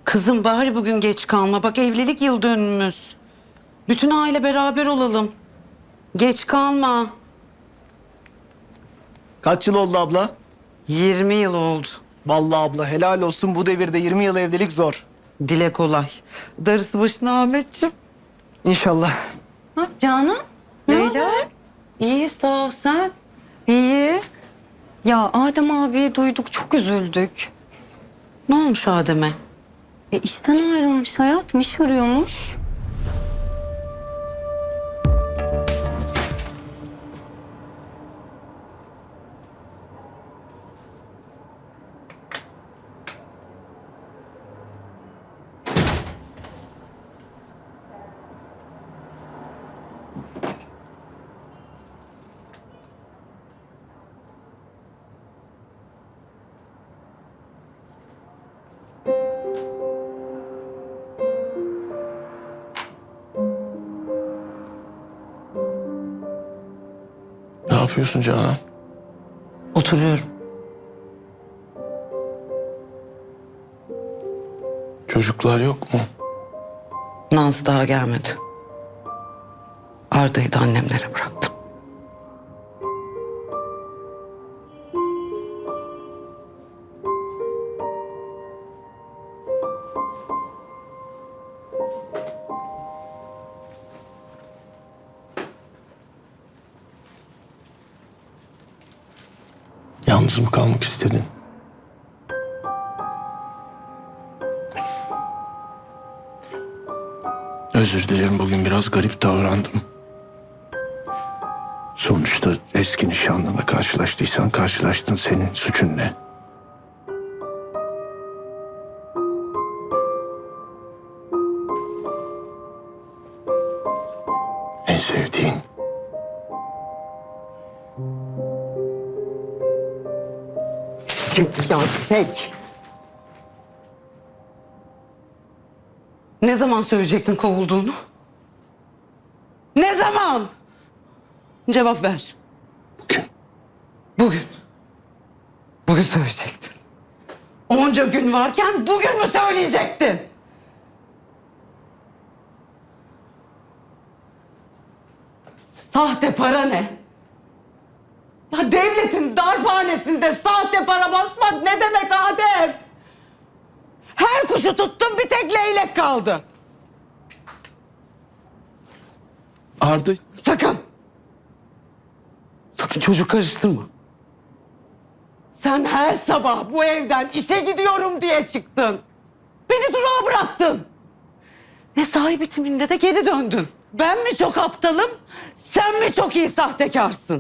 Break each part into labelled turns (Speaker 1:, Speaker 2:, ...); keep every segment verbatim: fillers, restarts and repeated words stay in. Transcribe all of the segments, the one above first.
Speaker 1: Kızım bari bugün geç kalma. Bak evlilik yıl dönümümüz. Bütün aile beraber olalım. Geç kalma.
Speaker 2: Kaç yıl oldu abla?
Speaker 1: yirmi yıl oldu.
Speaker 2: Vallahi abla helal olsun, bu devirde yirmi yıl evlilik zor.
Speaker 1: Dile kolay. Darısı başına Ahmetciğim.
Speaker 2: İnşallah.
Speaker 3: Ha, Canan?
Speaker 1: Leyla. İyi sağ ol sen.
Speaker 3: İyi. Ya Adem abi duyduk, çok üzüldük.
Speaker 1: Ne olmuş Adem'e?
Speaker 3: E işten ayrılmış hayatım, iş arıyormuş.
Speaker 4: Ne yapıyorsun Canan?
Speaker 1: Oturuyorum.
Speaker 4: Çocuklar yok mu?
Speaker 1: Nazlı daha gelmedi. Arda'yı da annemlere bıraktım.
Speaker 4: Yalnız mı kalmak istedin? Özür dilerim, bugün biraz garip davrandım. Sonuçta eski nişanlınla karşılaştıysan karşılaştın, senin suçun ne? En sevdiğin.
Speaker 1: Ya çek. Ne zaman söyleyecektin kovulduğunu? Ne zaman? Cevap ver.
Speaker 4: Bugün.
Speaker 1: Bugün. Bugün söyleyecektin. Onca gün varken bugün mü söyleyecektin? Sahte para ne? Ya devletin darphanesinde sahte para basmak ne demek Adem? Her kuşu tuttum, bir tek leylek kaldı.
Speaker 4: Arda,
Speaker 1: Sakın. Sakın çocuk karıştırma. Sen her sabah bu evden işe gidiyorum diye çıktın. Beni durağa bıraktın. Mesai bitiminde de geri döndün. Ben mi çok aptalım, sen mi çok iyi sahtekarsın?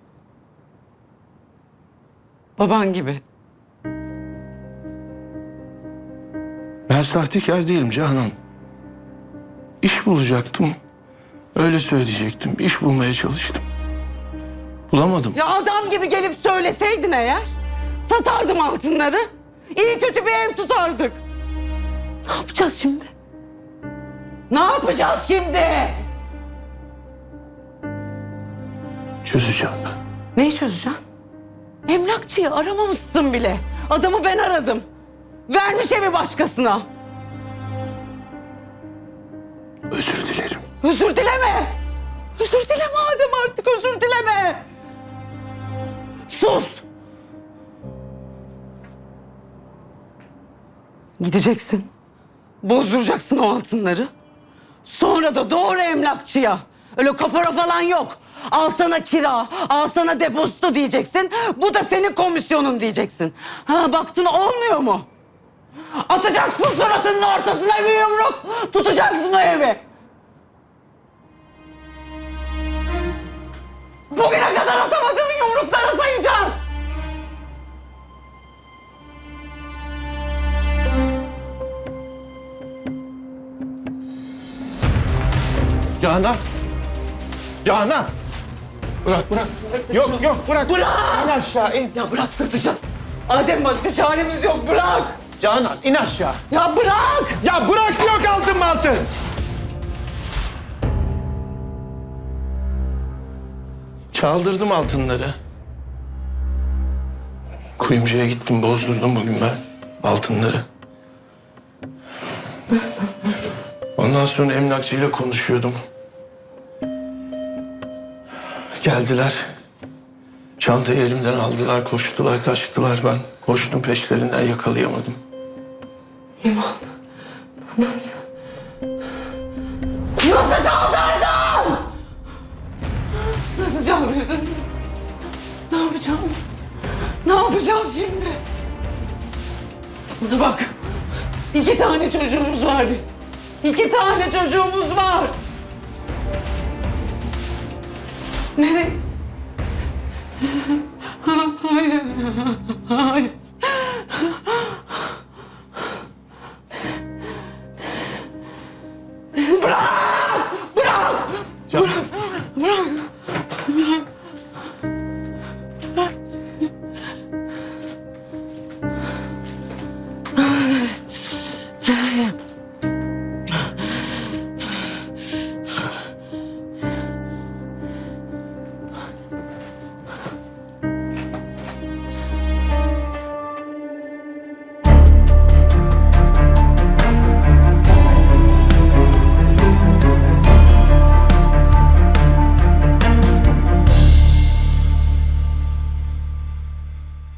Speaker 1: Baban gibi.
Speaker 4: ben sahtekar değilim Canan. İş bulacaktım. Öyle söyleyecektim. İş bulmaya çalıştım. Bulamadım.
Speaker 1: Ya adam gibi gelip söyleseydin eğer, satardım altınları. İyi kötü bir ev tutardık. Ne yapacağız şimdi? Ne yapacağız şimdi?
Speaker 4: Çözeceğim ben.
Speaker 1: Neyi çözeceksin? Emlakçıyı aramamışsın bile. Adamı ben aradım. Vermiş evi başkasına.
Speaker 4: Özür dilerim.
Speaker 1: Özür dileme. Özür dileme Adem, artık özür dileme. Sus. Gideceksin. Bozduracaksın o altınları. Sonra da doğru emlakçıya. Öyle kapora falan yok. Al sana kira, al sana depozito diyeceksin. Bu da senin komisyonun diyeceksin. Ha, baktın olmuyor mu? Atacaksın suratının ortasına bir yumruk. Tutacaksın o evi. Bugüne kadar atamadığın yumruklara sayacağız.
Speaker 4: Canan! Canan! Bırak, bırak. Yok, yok, bırak.
Speaker 1: Bırak!
Speaker 4: İn aşağı, in.
Speaker 1: Ya bırak, satacağız. Adem, başka çaremiz yok, bırak.
Speaker 4: Canan, in aşağı.
Speaker 1: Ya bırak!
Speaker 4: Ya bırak, yok altın mı altın? Çaldırdım altınları. Kuyumcuya gittim, bozdurdum bugün ben altınları. Ondan sonra emlakçıyla konuşuyordum. Geldiler. Çantayı elimden aldılar, koştular, kaçtılar. Ben koştum peşlerinden, yakalayamadım.
Speaker 1: İmam. Nasıl? Nasıl çaldırdın? Nasıl çaldırdın? Ne yapacağız? Ne yapacağız şimdi? Buna bak. İki tane çocuğumuz var bizim. İki tane çocuğumuz var. Nereye? Hayır. Hayır. Bırak! Bırak!
Speaker 4: Can.
Speaker 1: Bırak! Bırak!